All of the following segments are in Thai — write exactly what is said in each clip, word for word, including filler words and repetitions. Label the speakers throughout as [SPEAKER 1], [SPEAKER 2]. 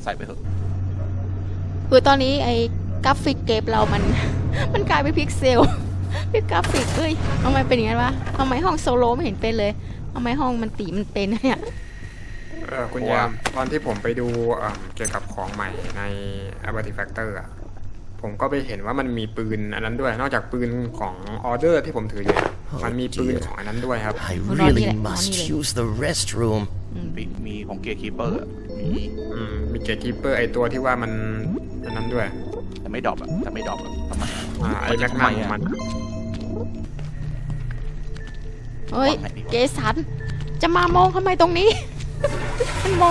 [SPEAKER 1] ส่ไปเถอะ
[SPEAKER 2] คือตอนนี้ไอ้กราฟิกเกมเรามัน มันกลายเป็นพิกเซล เป็นกราฟิกเอ้ยทำไมเป็นอย่างนั้นวะทำไมห้องโซโลไม่เห็นเป็นเลยทำไมห้องมันตีมันเป็นเนี่ย
[SPEAKER 3] เออคุณยามตอนที่ผมไปดูเอ่อเกี่ยวกับของใหม่ใน Artifactor อ่ะผมก็ไปเห็นว่ามันมีปืนอันนั้นด้วยนอกจากปืนของออเดอร์ที่ผมถืออยู่มันมีปืนของอันนั้นด้วยครับ
[SPEAKER 4] I really must use the restroom.
[SPEAKER 1] มีมีของเกียร์คีเปอร์มี
[SPEAKER 3] อืมมีเกตคีเปอร์ไอตัวที่ว่ามันอันนั้นด้วย
[SPEAKER 1] แต่ไม่ดรอปอะแต่ไม่ดรอปอะทำไม
[SPEAKER 3] อ่าไอแม็กนัมของมัน
[SPEAKER 2] เฮ้ยเกสันจะมามองทำไมตรงนี้ มันมอง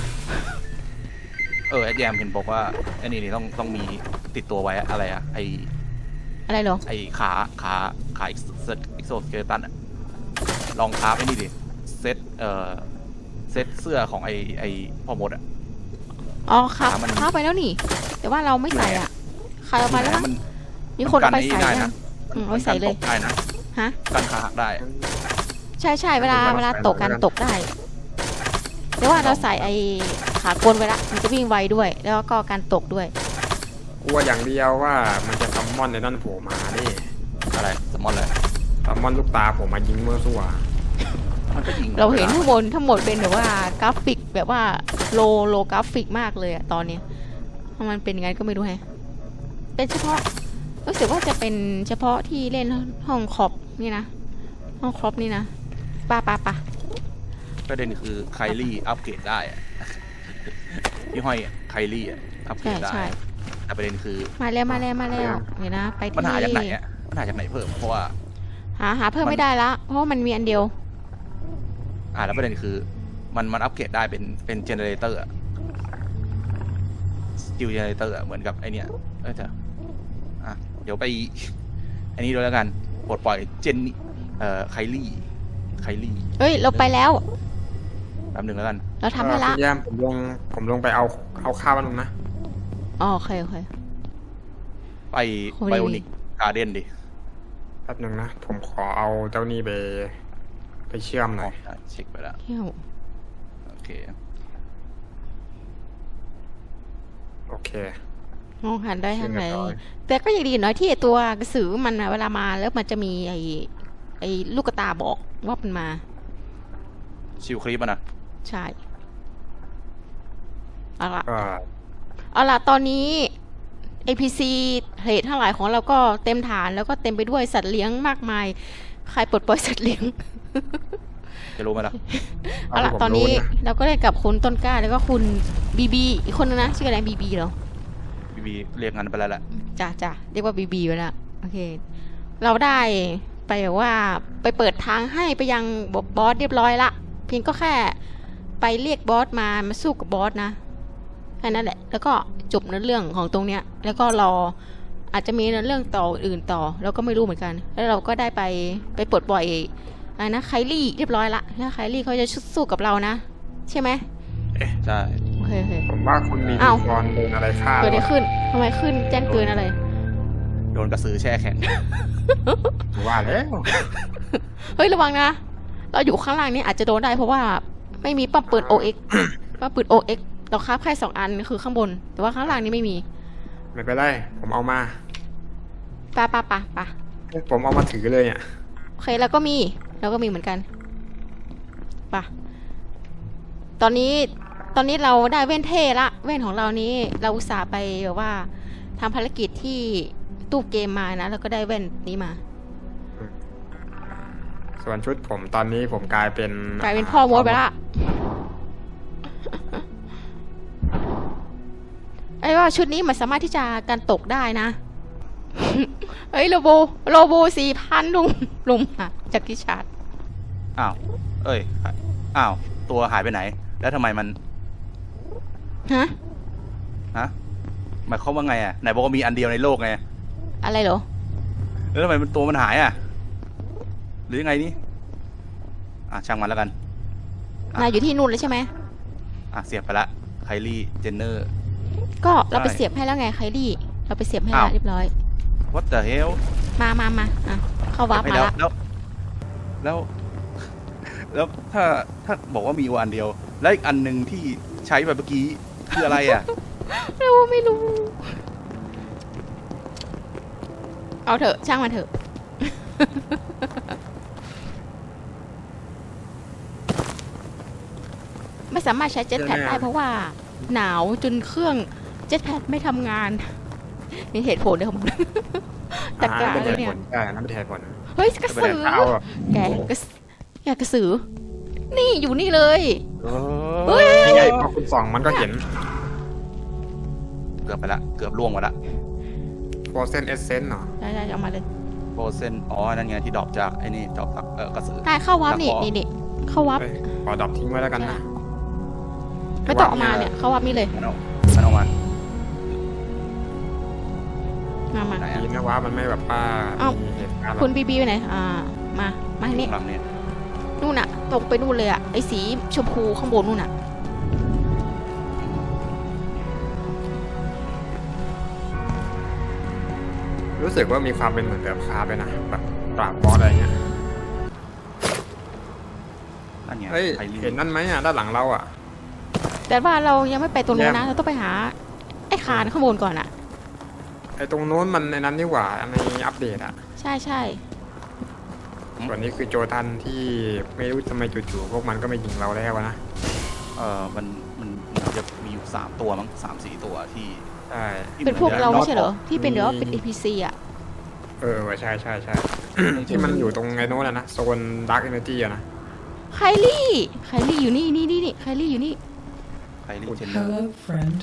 [SPEAKER 1] เออแอดแยมเห็นบอกว่าไอ้นี่นี่ต้องต้องมีติดตัวไว้อะอะไรอะไอ
[SPEAKER 2] อะไรเหรอ
[SPEAKER 1] ไอขาขาขาอีกโซสเกตันอะลองคราฟไอ้นี่ดิเซตเอ่อเซตเสื้อของไอไอพ่อมดอะ
[SPEAKER 2] อ๋อครับ
[SPEAKER 1] ขามัน
[SPEAKER 2] เข้าไปแล้วนี่ แต่ว่าเราไม่ใส่อ่ะใครเอามาแล้ว
[SPEAKER 1] มั
[SPEAKER 2] มั้
[SPEAKER 1] น
[SPEAKER 2] งมีคนเอาไป
[SPEAKER 1] กัน
[SPEAKER 2] ใส่
[SPEAKER 1] ได้
[SPEAKER 2] ยั
[SPEAKER 1] นะ
[SPEAKER 2] งอืมเอาไปใส่เลย
[SPEAKER 1] ได้นะ
[SPEAKER 2] ฮะ
[SPEAKER 1] กันขาหักได้
[SPEAKER 2] ใช่ใช่เวลาเวลาตกกันตกได้แต่ว่าเราใส่ไอ้ขากลไว้ละมันจะวิ่งไวด้วย แล้วก็การตกด้วย
[SPEAKER 3] กลัวอย่างเดียวว่ามันจะซัมมอนในนั่นโผล่มาดิ
[SPEAKER 1] อะไรสมอนเลย
[SPEAKER 3] ซัมมอนลูกตาผมมายิงเมื่อสู้อะ
[SPEAKER 1] มันก็ยิง
[SPEAKER 2] เราเห็นข้างบนทั้งหมดเป็นแบบว่ากราฟิกแบบว่าโลโลกราฟิกมากเลยอะตอนเนี้ยทำไมมันเป็นยังไงก็ไม่รู้แฮะเป็นเฉพาะรู้สึกว่าจะเป็นเฉพาะที่เล่นห้องครอบนี่นะห้องครอบนี่นะป่ะป่ะป่ะ
[SPEAKER 1] ประเด็นคือไคลี่อัปเกรดได้อะ ยี่ห้อยไคลี่อะอัปเกร
[SPEAKER 2] ใช่
[SPEAKER 1] ดได้
[SPEAKER 2] ใช่
[SPEAKER 1] แต่ประเด็นคือ
[SPEAKER 2] มาแล้วมาแล้วมาแล้วเดี๋ยวนะไปที่
[SPEAKER 1] มันหาจากไหนอะมันหาจากไหนเพิ่มเพราะว่า
[SPEAKER 2] หาหาเพิ่มไม่ได้ละเพราะว่ามันมีอันเดียว
[SPEAKER 1] อ่าแล้วประเด็นคือมันมันอัปเกรดได้เป็นเป็นเจเนเรเตอร์อะสกิลเจเนเรเตอร์อะเหมือนกับไอเนี้ยเออเถอะอ่ะเดี๋ยวไป อันนี้ด้วยแล้วกันปลดปล่อยเจนนี่เอ่อไคลี่ไคลี่
[SPEAKER 2] เฮ้ยเราไปแล้ว
[SPEAKER 1] แป๊บหนึ่งแล้วกัน
[SPEAKER 2] เราทำให้ละ
[SPEAKER 3] คุณยามผมลงผมลงไปเอาเอาข้าวมันลงนะ
[SPEAKER 2] อ๋อโอเคโอเค
[SPEAKER 1] ไป
[SPEAKER 2] โอ้ย
[SPEAKER 1] ไบโอนิกการ์เด้นดิ
[SPEAKER 3] แป๊บหนึงนะผมขอเอาเจ้านี่ไปไปเชื่อมหน่อย
[SPEAKER 1] อ๋อเช็คไปแล้ว
[SPEAKER 2] เที่ยว
[SPEAKER 1] โอเค
[SPEAKER 3] โอเค
[SPEAKER 2] มองหันได้ทางไหน
[SPEAKER 3] เรียบร้อย
[SPEAKER 2] แต่ก็ยังดีหน่อยที่ไอ้ตัวกระสือมันอะเวลามาแล้วมันจะมีไอ้ไอ้ลูกตาบอกว่ามันมา
[SPEAKER 1] ชิวคลิปมันนะ
[SPEAKER 2] ใช่เอาละ
[SPEAKER 3] ก็
[SPEAKER 2] เอาละตอนนี้ เอ พี ซี เหตุทั้งหลายของเราก็เต็มฐานแล้วก็เต็มไปด้วยสัตว์เลี้ยงมากมาย ใครปลดปล่อยสัตว์เลี้ยง
[SPEAKER 1] จะรู้ไหมล่ะ
[SPEAKER 2] เอาละ
[SPEAKER 3] ที่ผม
[SPEAKER 2] ตอนนี้
[SPEAKER 3] รู้ะ
[SPEAKER 2] เราก็ได้กับคุณต้นกล้าแล้วก็คุณบีบีอีกคนนึงนะชื่ออะไรบีบีเหรอ
[SPEAKER 1] บีบีเรียกงั้นไปแล้วแหละ
[SPEAKER 2] จ้ะจ้ะเรียกว่าบีบีไปแล้วโอเค เราได้ไปแบบว่าไปเปิดทางให้ไปยังบอสเรียบร้อยละเพียงก็แค่ไปเรียกบอสมามาสู้กับบอสนะแค่นั้นแหละแล้วก็จบในเรื่องของตรงเนี้ยแล้วก็รออาจจะมีเรื่องต่ออื่นต่อเราก็ไม่รู้เหมือนกัน แล้วเราก็ได้ไปไปปลดปล่อยอะไรนะไคลี่เรียบร้อยละแล้วไคลี่เขาจะสู้กับเรานะใช่ไหม
[SPEAKER 1] ใช่
[SPEAKER 2] โอเคโอเค
[SPEAKER 3] ผมว่าคุณมี
[SPEAKER 2] อ้าว
[SPEAKER 3] กรโดนอะไรฆ่า
[SPEAKER 2] เกิดอะไร
[SPEAKER 3] วะ
[SPEAKER 2] ขึ้นทำไมขึ้นแจ้งเตือนอะไร
[SPEAKER 1] โดนกระสือแช่แข็ง
[SPEAKER 3] ผมว่าแล้ว
[SPEAKER 2] เฮ้ยระวังนะ เราอยู่ข้างล่างนี้อาจจะโดนได้เพราะว่าไม่มีปั๊มปืน โอ เอ็กซ์ ปั๊มปืน โอ เอ็กซ์ เราคราฟแค่สองอันคือข้างบน แต่ว่าข้างล่างนี้ไม่มี
[SPEAKER 3] ไม่เป็นไรผมเอามา
[SPEAKER 2] ปะปะปะปะ
[SPEAKER 3] ผมเอามาถือเลยเนี่ย
[SPEAKER 2] โอเคแล้วก็มีแล้วก็มีเหมือนกันปะตอนนี้ตอนนี้เราได้เว้นเท่ละเว้นของเรานี้เราอุตส่าห์ไปแบบว่าทำภารกิจที่ตู้เกมมานะแล้วก็ได้เว้นนี้มา
[SPEAKER 3] ส่วนชุดผมตอนนี้ผมกลายเป็น
[SPEAKER 2] กลายเป็นพ่อมดไปละไอ้ว่าชุดนี้มันสามารถที่จะกันตกได้นะ เฮ้ยโลโบโลโบสี่พันลุงลุงค่ะจากกิชาร์ด
[SPEAKER 1] อ้าว เอ้ย อ้าว ตัวหายไปไหน แล้วทำไมมัน
[SPEAKER 2] ฮะ
[SPEAKER 1] ฮะ หมายความว่าไงอ่ะ ไหนบอกว่ามีอันเดียวในโลกไง
[SPEAKER 2] อะไรเหรอ
[SPEAKER 1] แล้วทำไมมันตัวมันหายอ่ะ หรือยังไงนี่ อ่ะ ช่างมันแล้วกัน อ่ะ
[SPEAKER 2] นายอยู่ที่นู่นเลยใช่ไหม
[SPEAKER 1] อ่ะ เสียบไปละไคลี่ เจนเนอร์
[SPEAKER 2] ก็เราไป
[SPEAKER 1] ใช่
[SPEAKER 2] เสียบให้แล้วไงไคลี่เราไปเสียบให้
[SPEAKER 1] อ้าว
[SPEAKER 2] แล้วเรียบร้อย
[SPEAKER 1] what the hell
[SPEAKER 2] มามามาอ่ะเข้าวาร์ป
[SPEAKER 1] ให้
[SPEAKER 2] มา
[SPEAKER 1] แล้ว
[SPEAKER 2] ละ
[SPEAKER 1] แล้ว แล้ว แล้วถ้าถ้าบอกว่ามีอยู่อันเดียว แล้วอีกอันหนึ่งที่ใช้แบบเมื่อกี้คืออะไรอ่ะ
[SPEAKER 2] เราไม่รู้ เอาเถอะช่างมันเถอะ ไม่สามารถใช้เจ็ตแพดได้เพราะว่า หนาวจนเครื่องเจ็ตแพดไม่ทำงาน มีเหตุผลด้วยของมัน แต่
[SPEAKER 3] อ่า
[SPEAKER 2] การ
[SPEAKER 3] นั่นเป็น
[SPEAKER 2] เล
[SPEAKER 3] เห
[SPEAKER 2] ย
[SPEAKER 3] ตุ
[SPEAKER 2] เนี่ย
[SPEAKER 3] ผลใช่นั่นเป็นเหตุผล
[SPEAKER 2] เฮ้ยกระสือ
[SPEAKER 3] เอาอะ
[SPEAKER 2] แกกระสแกกระสือ นี่อยู่นี่เลย
[SPEAKER 1] เอ
[SPEAKER 2] เฮ้ย
[SPEAKER 1] อ
[SPEAKER 3] ยังไงพอคุณส่องมันก็เห็น
[SPEAKER 1] เกือบไปละ เกือบล่วงหมดละ
[SPEAKER 3] โฟเซนเอเซนเหรอ
[SPEAKER 2] ใช่ใช่เอามาเลย
[SPEAKER 1] โปรเซนอ๋อ นั่นไงที่ดรอปจากไอ้นี่ดรอปจากเออกระสือ
[SPEAKER 2] ได้เข้าวับนี่
[SPEAKER 1] ตะขอ
[SPEAKER 2] นี่นี่เข้าวับ
[SPEAKER 3] เอ้ยขอดรอปทิ้งไว้แล้วกันนะ
[SPEAKER 2] ไม่ต้องเอามาเนี่ยเข้าวับนี่เลย
[SPEAKER 1] มันเอามันเอามา
[SPEAKER 2] มามา
[SPEAKER 1] ไหน
[SPEAKER 3] ดี
[SPEAKER 1] อ่ะ
[SPEAKER 3] นะว่ามันไม่แบบว่า
[SPEAKER 2] เอ้า
[SPEAKER 3] มีเหตุการณ์แบ
[SPEAKER 2] คุณ
[SPEAKER 3] บ
[SPEAKER 2] บีบีไปไหน อ่า มา มาทางนี้
[SPEAKER 1] หลังเนี่ย
[SPEAKER 2] นู่นน่ะ ตรงไปนู่นเลยอ่ะ ไอ้สีชมพูข้างบนนู่นน่ะ
[SPEAKER 3] รู้สึกว่ามีความเป็นเหมือนแบบคาร์ไปนะแบบปราบบอสอะไรเงี้ย
[SPEAKER 1] นั่นไง
[SPEAKER 3] เฮ้ย
[SPEAKER 1] ไอรี
[SPEAKER 3] เห็นนั่นไหมอ่ะด้านหลังเราอ่ะ
[SPEAKER 2] แต่ว่าเรายังไม่ไปตรงนู้นนะ
[SPEAKER 3] แยม
[SPEAKER 2] เราต้องไปหา ไอ้คานข้างบนก่อนอ่ะ
[SPEAKER 3] ไอ้ตรงโน้นมันในนั้นนี่หว่าในอัปเดตอ่ะ
[SPEAKER 2] ใช่ใช่
[SPEAKER 3] ส่วนนี้คือโจทันที่ไม่รู้ทำไมจู่ๆพวกมันก็ไม่ยิงเราแล้วนะ
[SPEAKER 1] เออมันมันมันจะมีอยู่สามตัวมั้งสามสี่ตัวที่
[SPEAKER 3] ใช่
[SPEAKER 1] ที่
[SPEAKER 2] เป็นพวกเราไม่ใช่เหรอ
[SPEAKER 3] มี
[SPEAKER 2] ที่เป็นเดี๋ยวว่าเป็น เอ พี ซี อ่ะ
[SPEAKER 3] เออว่ะใช่ใช่ใช่ ที่มันอยู่ตรงไอ้โน้นอะนะโซนดาร์กเอเนจีอะนะ
[SPEAKER 2] ไคลี่ ไคลี่อยู่นี่นี่นี่นี่ไคลี่อยู่นี่
[SPEAKER 1] ไคลี่เจนเนอร์
[SPEAKER 5] Hello, friend.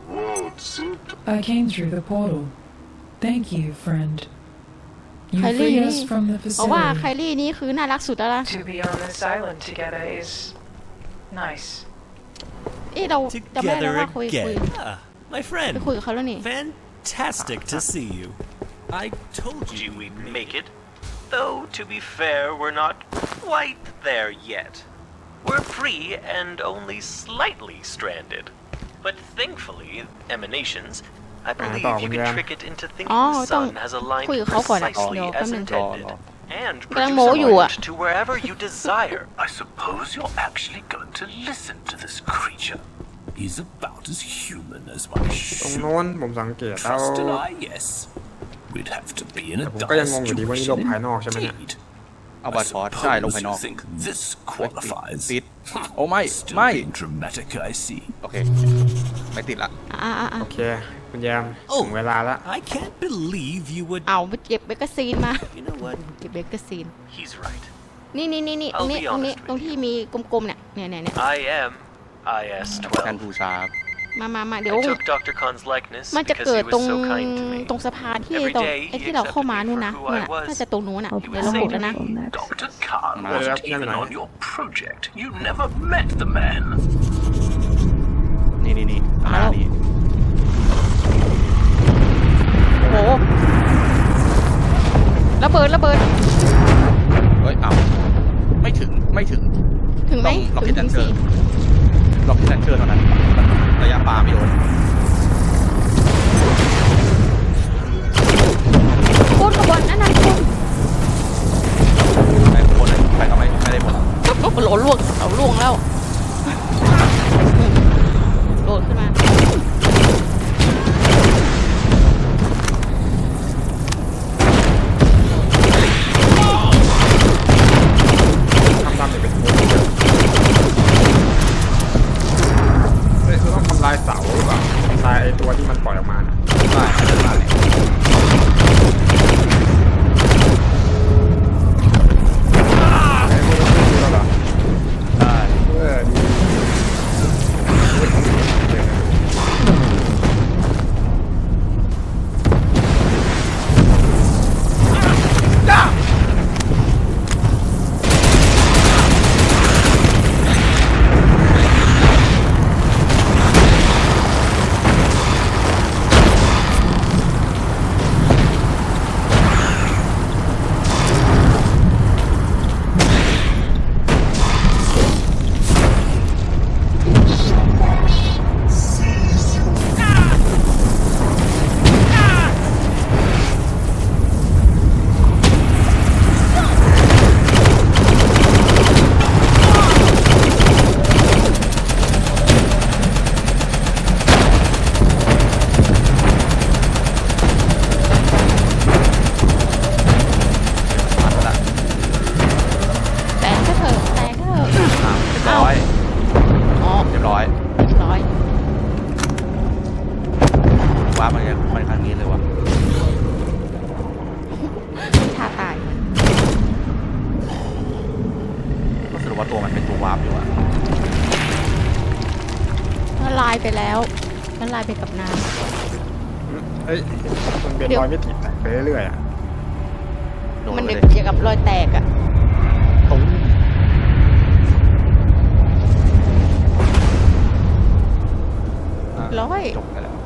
[SPEAKER 5] I came through the portal. Thank you, friend. You
[SPEAKER 2] Kylie,
[SPEAKER 5] freed
[SPEAKER 2] you
[SPEAKER 5] us
[SPEAKER 2] need-
[SPEAKER 5] from the
[SPEAKER 2] เพราะว่าไค
[SPEAKER 5] facility.
[SPEAKER 2] ลี่นี่คือน่ารักสุดแล้วล่ะ
[SPEAKER 6] To be on this island together is nice.
[SPEAKER 2] เอ๊ะเราจำไม่ได้แล้ว
[SPEAKER 7] Together
[SPEAKER 2] ว่าคุยคุย
[SPEAKER 7] again. Ah, my
[SPEAKER 2] ไป
[SPEAKER 7] friend.
[SPEAKER 2] คุยกับเขาแล้วนี่
[SPEAKER 7] Fantastic to see you. I told you
[SPEAKER 8] Do we make it? Though, to be fair, we're not quite there yet. We're free and only slightly stranded. But thankfully, emanations, I believe
[SPEAKER 3] ต่อคุ
[SPEAKER 8] you
[SPEAKER 3] ณ
[SPEAKER 8] can
[SPEAKER 3] แยม
[SPEAKER 8] trick it into
[SPEAKER 2] อ๋อ
[SPEAKER 8] thinking the
[SPEAKER 2] ต้อง
[SPEAKER 8] sun has aligned
[SPEAKER 2] คุยกับเขาก่อนอะ
[SPEAKER 8] precisely
[SPEAKER 2] เดี๋ยวแป๊บ
[SPEAKER 8] as
[SPEAKER 2] นึง
[SPEAKER 1] รอ
[SPEAKER 8] intended.
[SPEAKER 1] รอ
[SPEAKER 8] And
[SPEAKER 2] กำลัง
[SPEAKER 8] produce
[SPEAKER 2] โม้อยู่อะ
[SPEAKER 8] alignment to wherever you desire.
[SPEAKER 9] I suppose you're actually going to listen to this creature. He's about as human as my
[SPEAKER 3] ตรง
[SPEAKER 9] shoe.
[SPEAKER 3] โน้นผมสังเกตแล้ว
[SPEAKER 9] Trust an eye, yes. We'd have to be in a
[SPEAKER 3] แต่ผมก็ยังงงอยู่ดีว่านี่โลกภายนอกใช่ไหมเนี่ย
[SPEAKER 9] indeed.
[SPEAKER 1] เอาบัตรพอร์ตใช่ลงภายนอก
[SPEAKER 9] Suppose you think this
[SPEAKER 1] เฮ้ย
[SPEAKER 9] qualifies.
[SPEAKER 1] ติดโอ้ไม่
[SPEAKER 9] Still
[SPEAKER 1] ไม่
[SPEAKER 9] being dramatic, I see.
[SPEAKER 1] โอเค ไม่ติดละ
[SPEAKER 2] อ่าอ่าอ่า
[SPEAKER 3] โอเค คุณแยม
[SPEAKER 7] โอ้
[SPEAKER 3] ถึงเวลาละ
[SPEAKER 7] I can't believe you would.
[SPEAKER 2] เอาไปเก็บเบกซีนมา
[SPEAKER 7] You know what?
[SPEAKER 2] เก็บเบกซีน
[SPEAKER 8] He's right.
[SPEAKER 2] นี่นี่นี่นี่ตรงนี้
[SPEAKER 8] I'll be
[SPEAKER 2] ตรงนี้
[SPEAKER 8] honest with
[SPEAKER 2] ตรงที่มีกลมๆเนี่ยเนี่ยเนี่ยเนี่ย
[SPEAKER 8] I am I S
[SPEAKER 1] แทน
[SPEAKER 8] twelve.
[SPEAKER 1] บูชา
[SPEAKER 2] มามามาเดี๋ยว
[SPEAKER 8] I took Doctor Khan's likeness
[SPEAKER 2] มันจะ
[SPEAKER 8] because
[SPEAKER 2] เกิด
[SPEAKER 8] he
[SPEAKER 2] ตรง
[SPEAKER 8] was so kind to me.
[SPEAKER 2] ตรงสะพานที่
[SPEAKER 8] Every
[SPEAKER 2] ตรง
[SPEAKER 8] day
[SPEAKER 2] ไอ้
[SPEAKER 8] he
[SPEAKER 2] ที่เราเข้ามา
[SPEAKER 8] accepted me
[SPEAKER 2] นู่นนะ
[SPEAKER 8] for who
[SPEAKER 2] นู่
[SPEAKER 8] I
[SPEAKER 2] นน่ะ
[SPEAKER 8] was.
[SPEAKER 2] น่าจะตรงนู้นอ่ะ
[SPEAKER 8] He
[SPEAKER 2] เดี๋ยว
[SPEAKER 8] was
[SPEAKER 2] เรากดแล้วนะ
[SPEAKER 9] Doctor Khan
[SPEAKER 1] Nah.
[SPEAKER 9] wasn't
[SPEAKER 3] Yeah,
[SPEAKER 9] even
[SPEAKER 3] yeah,
[SPEAKER 9] on
[SPEAKER 3] yeah.
[SPEAKER 9] your project. You never met the man.
[SPEAKER 1] นี่นี่นี่อ่า
[SPEAKER 2] แล้ว
[SPEAKER 1] นี่
[SPEAKER 2] โอ้โหระเบิดระเบิด
[SPEAKER 1] เฮ้ยเอาไม่ถึงไม่ถึง
[SPEAKER 2] ถึงไหม
[SPEAKER 1] ต้อง
[SPEAKER 2] ถึง
[SPEAKER 1] Rocket
[SPEAKER 2] ถึง
[SPEAKER 1] Launcher
[SPEAKER 2] สี่
[SPEAKER 1] ล็อกที่แลนเชอร์เท่านั้นระยะปลาไม่โดน
[SPEAKER 2] โคตรขบวนนั่นนั่นคุณ
[SPEAKER 1] ไปข้างบนเลยไปก็ไม่ไม่ได้ผล
[SPEAKER 2] โหลล่วงเอาล่วงแล้วโดดขึ้นมา
[SPEAKER 3] ทำดำเนี่ยเป็นโน้นเฮ้ยคือต้องทำลายเสาหรือเปล่าทำลายไอ้ตัวที่มันปล่อยออกมาน่ะ
[SPEAKER 1] ได้ได้
[SPEAKER 3] ไอ้พวกนี้ไม่รู้แล้วเหรอ
[SPEAKER 1] ได้
[SPEAKER 3] เออดีเฮ้ยของดีเลยนะ
[SPEAKER 1] เรียบร้อย
[SPEAKER 2] อ๋อ
[SPEAKER 1] เรียบร้อย
[SPEAKER 2] เรียบร้อย
[SPEAKER 1] ว้ามันจะมันครั้งนี้เลยวะ
[SPEAKER 2] ท่าตาย
[SPEAKER 1] ก็สรุปว่าตัวมันเป็นตัววาร์ปอยู่อะ
[SPEAKER 2] ละลายไปแล้วละลายไปกับน้
[SPEAKER 3] เอ้ยมันเป็น
[SPEAKER 2] เดี๋ยว
[SPEAKER 3] รอยมิติแตกไปเรื่อยๆอ่ะ
[SPEAKER 1] โด
[SPEAKER 2] ำ
[SPEAKER 1] น
[SPEAKER 2] มัน
[SPEAKER 1] ไป
[SPEAKER 2] เด็ก
[SPEAKER 1] เลย
[SPEAKER 2] เกี่ยวกับรอยแตกอะ
[SPEAKER 1] ตุ้มอ่ะ
[SPEAKER 2] ร้อย
[SPEAKER 1] จบไปแล้ว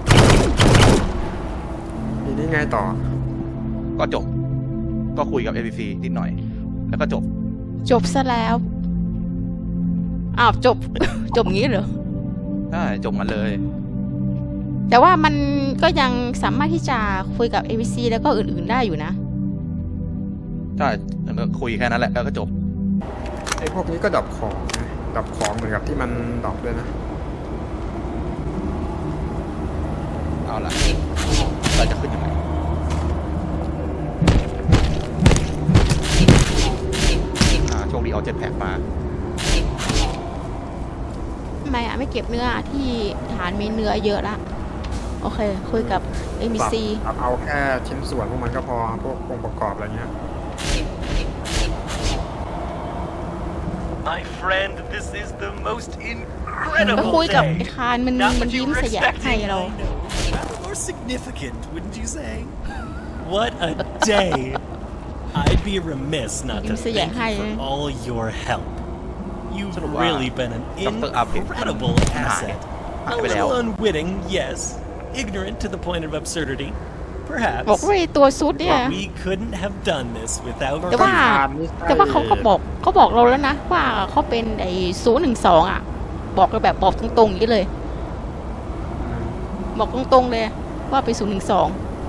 [SPEAKER 3] ทีนี้ไงต่อ
[SPEAKER 1] ก็จบ ก็คุยกับ เอ พี ซี นิดหน่อย แล้วก็จบ
[SPEAKER 2] จบซะแล้ว อ้าวจบ จบงี้เหรอ
[SPEAKER 1] ใช่ จบมันเลย
[SPEAKER 2] แต่ว่ามันก็ยังสามารถที่จะคุยกับ เอ พี ซี แล้วก็อื่นๆได้อยู่นะ
[SPEAKER 1] ใช่แล้วก็คุยแค่นั้นแหละ แล้วก็จบ
[SPEAKER 3] ไอ้พวกนี้ก็ดรอปของนะดรอปของเหมือนกับที่มันดรอปด้วยนะ
[SPEAKER 1] เอาล่ะเราจะขึ้นยังไง อ่าโชคดีเอาเจ็ตแพ็กมา
[SPEAKER 2] ทำไมอ่ะไม่เก็บเนื้อที่ฐานมีเนื้อเยอะละ โอเค คุยกับ เอ พี ซี
[SPEAKER 3] ปรับเอาแค่ชิ้นส่วนพวกมันก็พอ พวกองค์ประกอบอะไรเงี้ย
[SPEAKER 8] My friend, this is the most
[SPEAKER 2] ก็
[SPEAKER 8] incredible
[SPEAKER 2] คุยกับ
[SPEAKER 8] day.
[SPEAKER 2] ไอ้คานมัน
[SPEAKER 8] Not
[SPEAKER 2] มัน
[SPEAKER 8] what you
[SPEAKER 2] ยิ้ม
[SPEAKER 8] were
[SPEAKER 2] สยะให้
[SPEAKER 8] expecting.
[SPEAKER 2] เรา
[SPEAKER 7] I know. Rather more significant, wouldn't you say? What a day! I'd be remiss not to
[SPEAKER 2] Yung saya
[SPEAKER 7] thank
[SPEAKER 2] hay
[SPEAKER 7] you
[SPEAKER 2] eh.
[SPEAKER 7] for all your help. You've
[SPEAKER 1] Sort of, uh,
[SPEAKER 7] really been an
[SPEAKER 1] Doctor Update.
[SPEAKER 7] incredible
[SPEAKER 1] Nah.
[SPEAKER 7] asset.
[SPEAKER 1] Ah,
[SPEAKER 7] A
[SPEAKER 1] pero-
[SPEAKER 7] little unwitting, yes. Ignorant to the point of absurdity,
[SPEAKER 2] บอก
[SPEAKER 7] perhaps.
[SPEAKER 2] ว่าไอ้ตัวซุดเนี่ย
[SPEAKER 7] But we couldn't have done this without
[SPEAKER 2] แต่ว่า
[SPEAKER 7] you.
[SPEAKER 2] แต่ว่าเขาก็บอกเขาบอกเราแล้วนะ ว่าเขาเป็นไอ้ศูนย์หนึ่งสองอ่ะ บอกเราแบบบอกตรงๆอย่างนี้เลย บอกตรงๆเลย ว่าเป็นศูนย์หนึ่งสอง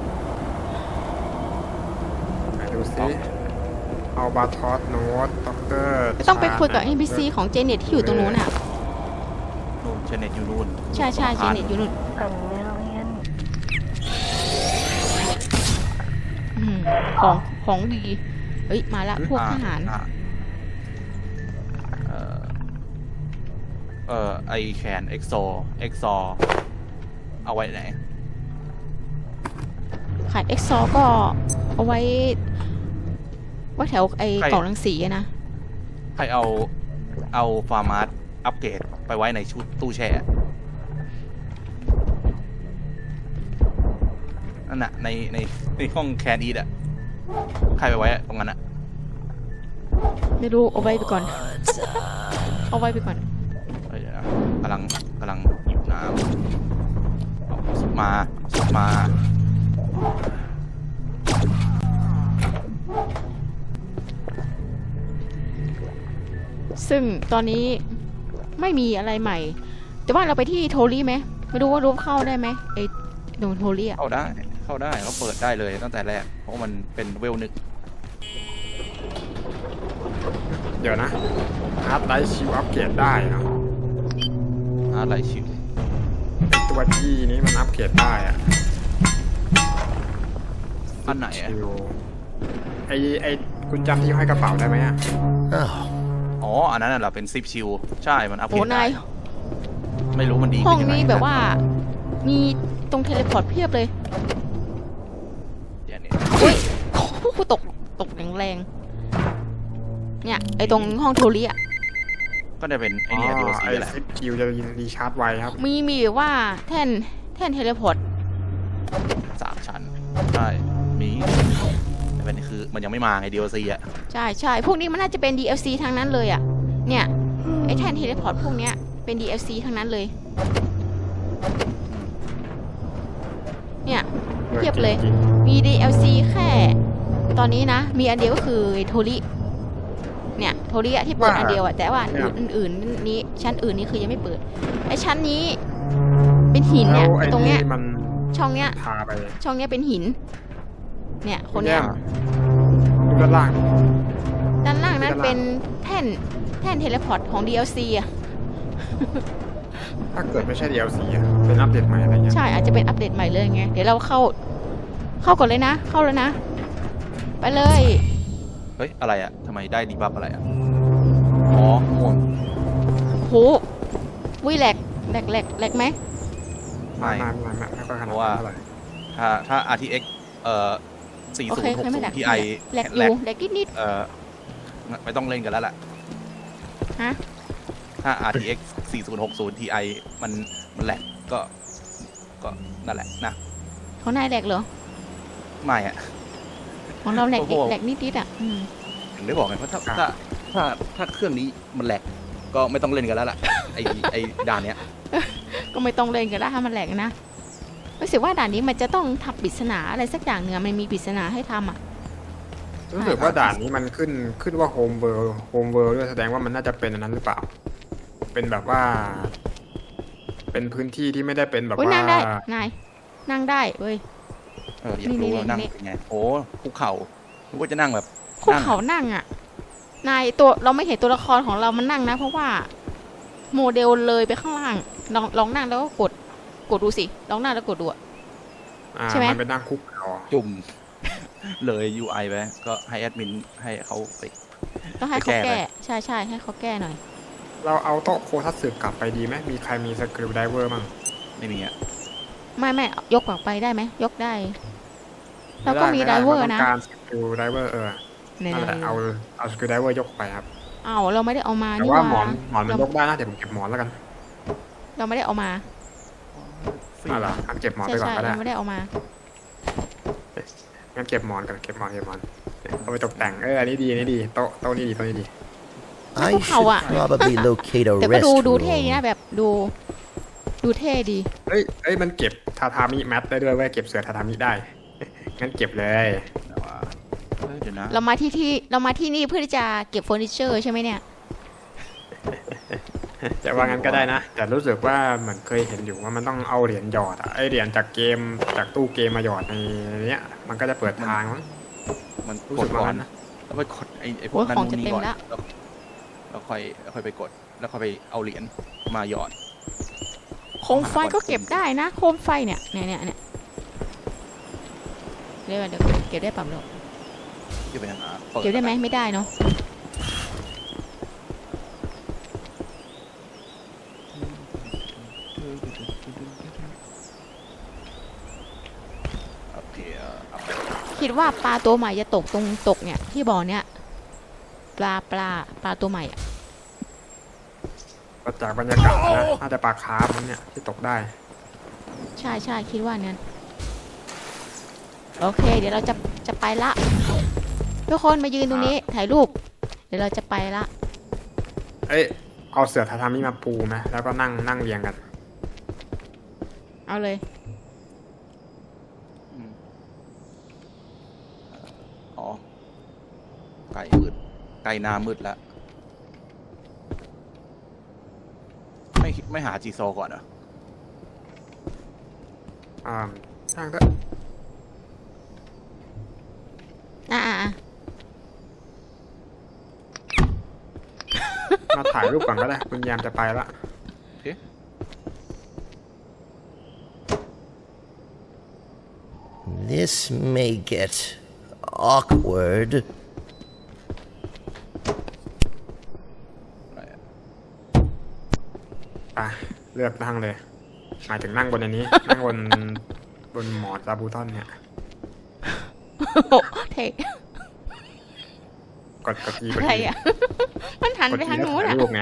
[SPEAKER 3] ไหนดูซิเอาบาทอสโน้ตด็อกเตอร์
[SPEAKER 2] ก็ต้องไปคุยกับ เอ พี ซี ของเจเน็ตที่อยู่ตรงนู้นอ่ะ
[SPEAKER 1] นู่นเชนเน็ตอยู่นู่น
[SPEAKER 2] ใช่ใช่เจเน็ตอยู่นู่น
[SPEAKER 6] A million.
[SPEAKER 2] อืมของของดี เฮ้ย มาละพวก
[SPEAKER 1] อ่
[SPEAKER 2] ทหาร
[SPEAKER 1] อ่เอ่อเอ่อไอแคนเอ็กโซเอ็กซอเอาไว้ไหน
[SPEAKER 2] ขายเอ็กซอก็เอาไว้ไว่าแถวไอ้
[SPEAKER 1] ใคร
[SPEAKER 2] กล่องรังสีอะนะ
[SPEAKER 1] ใครเอาเอาฟาร์มาร์อัปเกรดไปไว้ในชุดตู้แช่นั่นน่ะในในในห้องแคนอีดอะใครไปไว้ตรงนั้นอะ
[SPEAKER 2] ไม่รู้เอาไว้ไปก่อน เอาไว้ไปก่อน
[SPEAKER 1] เอ้ยเดี๋ยวนะกำลังกำลังหยิบน้ำเอาสุดมาสุดมา
[SPEAKER 2] ซึ่งตอนนี้ไม่มีอะไรใหม่ แต่ว่าเราไปที่โทลี่ไหมไม่รู้ว่ารูปเข้าได้ไหมไอ้โดนโทลี่อะ
[SPEAKER 1] เข้าได้เข้าได้เขาเปิดได้เลยตั้งแต่แรกเพราะมันเป็นเวลนึก
[SPEAKER 3] เดี๋ยวนะฮาร์ดไดรฟ์ชิวอัปเกรดได้เนาะ
[SPEAKER 1] อะไรชิว
[SPEAKER 3] ไอตัวที่นี้มันอัปเกรดได้อะ
[SPEAKER 1] อันไหนอะ
[SPEAKER 3] ชิวไอไอคุณจำที่ห้อยกระเป๋าได้ไหมอะ
[SPEAKER 4] Oh,
[SPEAKER 1] อ๋ออันนั้นน่ะเหราเป็นซิปชิวใช่มันอัปเก
[SPEAKER 2] โอ้
[SPEAKER 1] รดได้
[SPEAKER 2] นาย
[SPEAKER 1] ไม่รู้มันดี
[SPEAKER 2] ห้อง
[SPEAKER 1] ขึ้นยังไง
[SPEAKER 2] นี้แบบว่า มีตรงเทเลพอร์ตเพียบเลย
[SPEAKER 1] เดี๋ยวนี้
[SPEAKER 2] อุ้ยโอ้โหตกตกแรงๆเนี่ยไอ้ตรงห้องโทลี่อะ
[SPEAKER 1] ก็ได้เป็นไอเนี่ยดีโอซี
[SPEAKER 3] ไอ
[SPEAKER 1] แหละ
[SPEAKER 3] ซิปชิวจะรีชาร์จไวครับ
[SPEAKER 2] มีมีแบบว่าแท่นแท่นเทเลพอร์ต
[SPEAKER 1] สามชั้นใช่มีแต่เป็นคือมันยังไม่มาไงดีโอซีอะ
[SPEAKER 2] ใช่ใช่พวกนี้มันน่าจะเป็น ดี แอล ซี ทั้งนั้นเลยอะเนี่ยไอ้แท่นเทเลพอร์ตพวกเนี้ยเป็น ดี แอล ซี ทั้งนั้นเลย เนี่ย เทียบเลย
[SPEAKER 3] จริง
[SPEAKER 2] มี ดี แอล ซี แค่ ตอนนี้นะ มีอันเดียวก็คือโทริเนี่ยโทริอะที่เปิดอันเดียวอะแต่ว่าอื่นอื่นๆนี้ชั้นอื่นนี่คือยังไม่เปิดไอ้ชั้นนี้ เป็นหิน
[SPEAKER 3] ๆ
[SPEAKER 2] เนี่ย
[SPEAKER 3] แล้วไอ้
[SPEAKER 2] ตรงเนี้ย
[SPEAKER 3] นี่มัน
[SPEAKER 2] ช่องเนี้ย
[SPEAKER 3] พาไป
[SPEAKER 2] ช่องเนี้ยเป็นหิน เนี่ยคนเนี้ย
[SPEAKER 3] ดูด้านล่าง
[SPEAKER 2] ด้านล่างนั้น
[SPEAKER 3] ด้านล่าง
[SPEAKER 2] เป็นแท่นแท่นเทเลพอร์ตของ ดี แอล ซี อะ
[SPEAKER 3] ถ้าเกิดไม่ใช่ ดี แอล ซี อะเป็นอัปเดตใหม่อะไรเงี้ย
[SPEAKER 2] ใช่อาจจะเป็นอัปเดตใหม่เลยไง เดี๋ยวเราเข้า เข้าก่อนเลยนะ เข้าแล้วนะ ไปเลย
[SPEAKER 1] เฮ้ยอะไรอะทำไมได้ดีบัฟอะไรอะอ๋อม่วง
[SPEAKER 2] โหวิแหลกแหลกแหลกแหลกไหม
[SPEAKER 3] ไม่
[SPEAKER 1] ไม่
[SPEAKER 3] ไม่ไม่ไม่ค่อยขนาด
[SPEAKER 1] เพราะว่า
[SPEAKER 3] นั้นเท่าไหร่
[SPEAKER 1] ถ้าถ้า อาร์ ที เอ็กซ์ เอ่อ สี่
[SPEAKER 2] โอ
[SPEAKER 1] ศู
[SPEAKER 2] เคน
[SPEAKER 1] ย์ หก
[SPEAKER 2] ไม่
[SPEAKER 1] ศู
[SPEAKER 2] แหล
[SPEAKER 1] น
[SPEAKER 2] ก
[SPEAKER 1] ย์ ที ไอ
[SPEAKER 2] แหลกอยู่แหลกนิด
[SPEAKER 1] เอ่อไม่ต้องเล่นกันแล้วล่ะ
[SPEAKER 2] ๆฮะ
[SPEAKER 1] ถ้า อาร์ ที เอ็กซ์ สี่ศูนย์ หกศูนย์ ที ไอ มันมันแหลกก็ ก็นั่นแหละนะ
[SPEAKER 2] ของนายแหลกเหรอ
[SPEAKER 1] ไม่อะ
[SPEAKER 2] ของเราแหลก
[SPEAKER 1] โอ้โห
[SPEAKER 2] แหลกนิดๆอ่ะอืม
[SPEAKER 1] ถึงได้บอกไงเพราะถ้าถ้าถ้าถ้าเครื่องนี้มันแหลกก็ไม่ต้องเล่นกันแล้วล่ะ ไอไอด่านเนี้ย
[SPEAKER 2] ก็ไม่ต้องเล่นกันแล้วถ้ามันแหลกนะรู้สึกว่าด่านนี้มันจะต้องทำปริศนาอะไรสักอย่างเนื้อะมันมีปริศนาให้ทำอ่ะ
[SPEAKER 3] รู้สึกว่าด่านนี้มันขึ้นขึ้นว่าโฮมเวิร์โฮมเวิร์ด้วยแสดงว่ามันน่าจะเป็นอันนั้นหรือเปล่า เป็นแบบว่า เป็นพื้นที่ที่ไม่ได้เป็นแบบ
[SPEAKER 2] อุ้ย
[SPEAKER 3] ว่า
[SPEAKER 2] นั่งได้นายนั่งได้เว้ย
[SPEAKER 1] เอออยาก
[SPEAKER 2] นี่
[SPEAKER 1] รู้
[SPEAKER 2] นี่
[SPEAKER 1] ว่านั่ง
[SPEAKER 2] นี่
[SPEAKER 1] เป็นไง โอ้ภูเขานึกว่าจะนั่งแบบ
[SPEAKER 2] คุก
[SPEAKER 1] นั่ง
[SPEAKER 2] เขานั่งอ่ะนายตัวเราไม่เห็นตัวละครของเรามันนั่งนะ เพราะว่าโมเดลเลยไปข้างล่างลองลองนั่งแล้วก็กดกดดูสิลองนั่งแล้วกดดูอะ
[SPEAKER 3] อ่า
[SPEAKER 2] ใช่ไหม
[SPEAKER 3] มันเป็นนั่งคุกเขา
[SPEAKER 1] จุ่ม เลย ยู ไอ ไปก็ให้แอดมินให้เขาไป
[SPEAKER 2] ต้องให้เขา
[SPEAKER 1] ไปแก้
[SPEAKER 2] แก้
[SPEAKER 1] ไป
[SPEAKER 2] ใช่ใช่ให้เขาแก้หน่อย
[SPEAKER 3] เราเอาโต๊ะโคทัตสึกลับไปดีไหมมีใครมีสกริวไดเวอร์มั่ง
[SPEAKER 1] ไม่มีอ่ะ
[SPEAKER 2] ไม่ไม่ยกออกไปได้ไหมยกได้ เราก็มีไดเวอร์นะ
[SPEAKER 3] เราต้องการสกริวไดเวอร์เออ
[SPEAKER 2] ไหน
[SPEAKER 3] นั่นแหละ
[SPEAKER 2] ๆ
[SPEAKER 3] เอาเอาสกริวไดเวอร์ยกไปครับ
[SPEAKER 2] เอาเราไม่ได้เอามา
[SPEAKER 3] แต่
[SPEAKER 2] นี่
[SPEAKER 3] ว่า
[SPEAKER 2] ว่า
[SPEAKER 3] หมอนหมอนมัน
[SPEAKER 2] เรา
[SPEAKER 3] ยกได้นะเดี๋ยวผมเก็บหมอนแล้วกัน
[SPEAKER 2] เราไม่ได้เอามา
[SPEAKER 3] อ่ะเหรองั้นเก็บหมอน
[SPEAKER 2] ใช่
[SPEAKER 3] ไปก่อน
[SPEAKER 2] ใช่
[SPEAKER 3] ก็ได้
[SPEAKER 2] เราไม่ได้เอามา
[SPEAKER 3] งั้นเก็บหมอนกันเก็บหมอนเก็บหมอนเอาไปตกแต่งเอออันนี้ดีอันนี้ดีโต๊ะโต๊ะนี้ดีโต๊ะนี้ดี
[SPEAKER 4] I should
[SPEAKER 2] Wow.
[SPEAKER 4] probably locate a
[SPEAKER 2] แต่ก็ดูดูเท่ดี
[SPEAKER 4] restroom.
[SPEAKER 2] นะแบบดู ดูเท่ดี
[SPEAKER 3] เอ้ยเอ้ยมันเก็บทาทามิแมทได้ด้วยเว้ยเก็บเสือทาทามิได้ งั้นเก็บเลย
[SPEAKER 1] แต่ว่าเอ้ยเดี๋ยวนะ
[SPEAKER 2] เรามาที่ที่เรามาที่นี่เพื่อที่จะเก็บเฟอร์นิเจอร์ใช่ไหมเนี่ย
[SPEAKER 3] จะว่างั้นก็ได้นะ แต่รู้สึกว่าเหมือนเคยเห็นอยู่ว่ามันต้องเอาเหรียญหยอดอะไอเหรียญจากเกมจากตู้เกมมาหยอดในเนี้ยมันก็จะเปิดทางมั้ง
[SPEAKER 1] มัน
[SPEAKER 3] รู้
[SPEAKER 1] ก
[SPEAKER 3] สึ
[SPEAKER 1] ด
[SPEAKER 3] กว่า
[SPEAKER 1] ก่อน
[SPEAKER 3] งั้นนะ
[SPEAKER 1] แล้วไปกดไอ้ไอ้พว
[SPEAKER 2] โอ้
[SPEAKER 1] ก
[SPEAKER 2] ย
[SPEAKER 1] นั้น
[SPEAKER 2] ของ
[SPEAKER 1] นู่
[SPEAKER 2] จะ
[SPEAKER 1] นนี่
[SPEAKER 2] เต็ม
[SPEAKER 1] ก่อน
[SPEAKER 2] แล้ว
[SPEAKER 1] แล้วแล้วค่อยแล้วค่อยไปกด แล้วค่อยไปเอาเหรียญมาหยอด
[SPEAKER 2] โคมไฟก็เก็บได้นะ โคมไฟเนี่ยเนี่ยเนี่ยเนี่ยเดี๋ยวเดี๋ยวเก็บได้ปั๊บเดี๋ยว
[SPEAKER 1] ที่ไปหาปิ
[SPEAKER 2] เก็บได้ไหมไม่ได้เนาะ
[SPEAKER 1] โอเคเอาเอาไป
[SPEAKER 2] คิดว่าปลาตัวใหม่จะตกตรงตกเนี่ยที่บ่อเนี่ยปลาปลาปลาตัวใหม่อะ
[SPEAKER 3] จากบรรยากาศนะน่าจะปลาคาร์ฟมั้งเนี่ยที่ตกได้
[SPEAKER 2] ใช่ใช่คิดว่าเนี่ยโอเค เดี๋ยวเราจะจะไปละทุกคนมายืนตรงนี้ถ่ายรูป เดี๋ยวเราจะไปละ
[SPEAKER 3] เอ้ยเอาเสือทาทามิมาปูไหมแล้วก็นั่งนั่งเรียงกัน
[SPEAKER 2] เอาเลย
[SPEAKER 1] อืมอ๋อไก่มืดไก่นามืดแล้ว ไม่ไม่หาจีโซก่อนเหรอ
[SPEAKER 3] อ่าช่างก็
[SPEAKER 2] อ่ะอ่ะอ่ะ
[SPEAKER 3] มาถ่ายรูปก่อนก็ได้ คุณยามจะไปละ
[SPEAKER 4] This may get awkward.
[SPEAKER 1] อะไรอะ
[SPEAKER 3] ไปเลือกนั่งเลย หมายถึงนั่งบนอันนี้ นั่งบนบนหมอนซาบูทอนเนี่ย
[SPEAKER 2] โอ้เท่
[SPEAKER 3] กดกดอีกด
[SPEAKER 2] อะไร
[SPEAKER 3] อี
[SPEAKER 2] อ่ะ มันหัน
[SPEAKER 3] กด
[SPEAKER 2] ไป
[SPEAKER 3] อี
[SPEAKER 2] ทาง
[SPEAKER 3] แล้ว
[SPEAKER 2] นู้น
[SPEAKER 3] ถ่าย
[SPEAKER 2] อ่ะ
[SPEAKER 3] รูปไง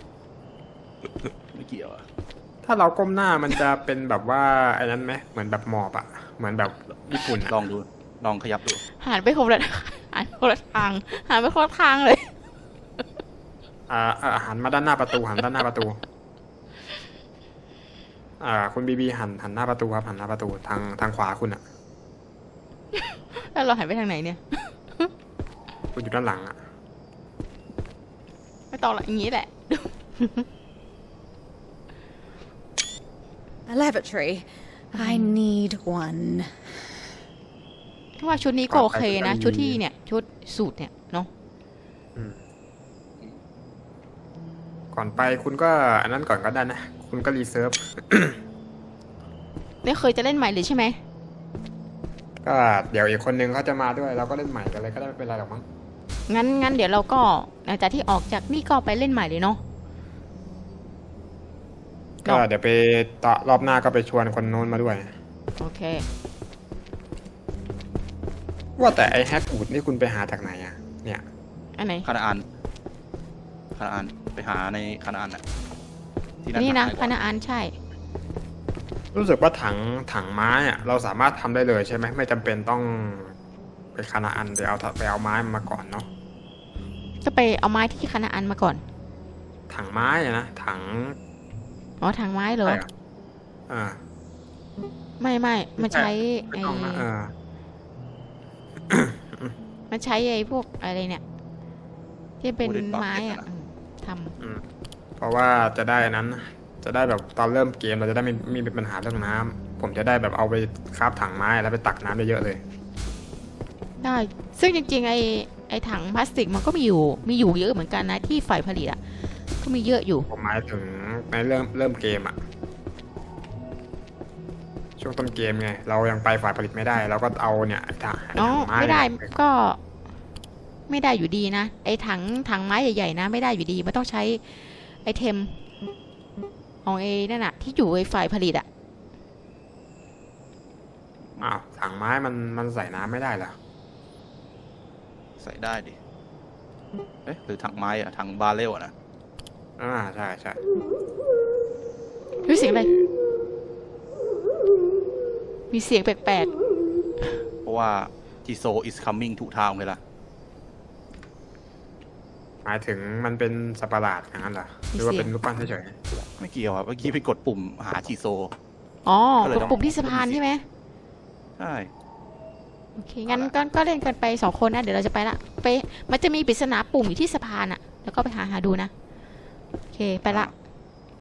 [SPEAKER 1] ไม่เกี่ยวอะ
[SPEAKER 3] ถ้าเราก้มหน้ามันจะเป็นแบบว่าไอ้นั้นไหมเหมือนแบบหมอบอะเหมือนแบบญี่ปุ่นอะ
[SPEAKER 1] ลองดู ลองขยับดู
[SPEAKER 2] หันไปคนละหันคนละทางหันไปคนละทางเลย
[SPEAKER 3] อ่าอ่าหันมาด้านหน้าประตูหันด้านหน้าประตู อ่า คุณบีบีหันหันหน้าประตูครับหันหน้าประตูทางทางขวาคุณอะ
[SPEAKER 2] แล้วเราหันไปทางไหนเนี่ย
[SPEAKER 3] คุณอยู่ด้านหลังอะ
[SPEAKER 2] ไม่ต้องละอย่างนี้แหละ
[SPEAKER 10] A lavatory. I need one.
[SPEAKER 2] ว่าชุดนี้ก็โอเคนะ ชุดที่เนี่ย ชุดสูทเนี่ยเนาะ
[SPEAKER 3] ก่อนไปคุณก็อันนั้นก่อนก็ได้นะ คุณก็รีเซิร์ฟ
[SPEAKER 2] ไม่เคยจะเล่นใหม่เลยใช่ไหม
[SPEAKER 3] ก็เดี๋ยวอีกคนนึงเขาจะมาด้วยเราก็เล่นใหม่กันเลยก็ได้ไม่เป็นไรหรอกมั้ง
[SPEAKER 2] งั้นงั้นเดี๋ยวเราก็หลังจากที่ออกจากนี่ก็ไปเล่นใหม่เลยเนาะ
[SPEAKER 3] ก็เดี๋ยวไปต่อรอบหน้าก็ไปชวนคนโน้นมาด้วย
[SPEAKER 2] โอเค
[SPEAKER 3] ว่าแต่ไอ้แฮกวูดนี่คุณไปหาจากไหนอะเนี่ย
[SPEAKER 2] อันไหน
[SPEAKER 1] คานาอันคานาอันไปหาในคานาอันอะที่นั่น
[SPEAKER 2] นี่นะ
[SPEAKER 1] หาง่ายก
[SPEAKER 2] ค
[SPEAKER 1] ว่า
[SPEAKER 2] ณะอันใช่
[SPEAKER 3] รู้สึกว่าถังถังไม้อะเราสามารถทำได้เลยใช่ไหมไม่จำเป็นต้องไปคานาอันไปเอาไปเอาไม้มาก่อนเนาะ
[SPEAKER 2] ก็ไปเอาไม้ที่คณะอันมาก่อน
[SPEAKER 3] ถังไม้อะนะถัง
[SPEAKER 2] อ๋อทางไม้เหรอ
[SPEAKER 3] อะไรอะอ่า
[SPEAKER 2] ไม่ไม่มันใช้
[SPEAKER 3] ไม่
[SPEAKER 2] ไอ้
[SPEAKER 3] ต้องนะเออ
[SPEAKER 2] มันใช้ไอ้พวกอะไรเนี่ย ที่เป็น
[SPEAKER 1] Wooden bucket
[SPEAKER 2] ไม้อะ
[SPEAKER 1] อะนะ
[SPEAKER 2] อืมท
[SPEAKER 3] อืมเพราะว่าจะได้อันนั้น จะได้แบบตอนเริ่มเกมเราจะได้ไม่ไมมีปัญหาเรื่องน้ำผมจะได้แบบเอาไปคราฟถังไม้แล้วไปตักน้ำได้เยอะเลย
[SPEAKER 2] ำได้ ซึ่งจริงๆไอ้ไอ้ถังพลาสติกมันก็มีอยู่มีอยู่เยอะเหมือนกันนะที่ฝ่ายผลิตอ่ะก็มีเยอะอยู่
[SPEAKER 3] ผมหมายถึงในเริ่มเริ่มเกมอะช่วงต้นเกมไงเรายังไปฝ่ายผลิตไม่ได้ เราก็เอาเนี่ยถัง
[SPEAKER 2] อ๋อ
[SPEAKER 3] ถังไม้
[SPEAKER 2] ไม่ได้
[SPEAKER 3] เนี่ย
[SPEAKER 2] ก็ ไม่ได้อยู่ดีนะไอ้ถังถังไม้ใหญ่ๆนะ ไม่ได้อยู่ดีมันต้องใช้ไอเทมของไอ้นั่นน่ะที่อยู่ไอ้ฝ่ายผลิตอ่ะ
[SPEAKER 3] อ้าวถังไม้มันมันใส่น้ำไม่ได้เหรอ
[SPEAKER 1] ใส่ได้ดิเอ๊ะหรือถังไม้อะถังบาเรลอะนะ
[SPEAKER 3] อ่าใช่ใช่
[SPEAKER 2] รู้เสียงอะไร มีเสียงแปลก
[SPEAKER 1] เพราะว่าจิโซ is coming to town เลยล่ะ
[SPEAKER 3] หมายถึงมันเป็นสัตว์ประหลาดอย่างนั้นเหรอหรือว่าเป็นรูปปั้นเฉย
[SPEAKER 1] ไม่เกี่ยวอะเมื่อกี้ไปกดปุ่มหาจิโซ
[SPEAKER 2] ๆอ๋อ
[SPEAKER 1] ก็เลย
[SPEAKER 2] กด
[SPEAKER 1] ต้อง
[SPEAKER 2] ปุ่มที่สะพานใช่ไหม
[SPEAKER 1] ใช่
[SPEAKER 2] โอเค งั้นก็ก็เล่นกันไปสองคนนะ เดี๋ยวเราจะไปละ ไป มันจะมีปริศนาปุ่มอยู่ที่สะพานอะแล้วก็ไปหาหาดูนะ โอเค ไปละ
[SPEAKER 1] อ่า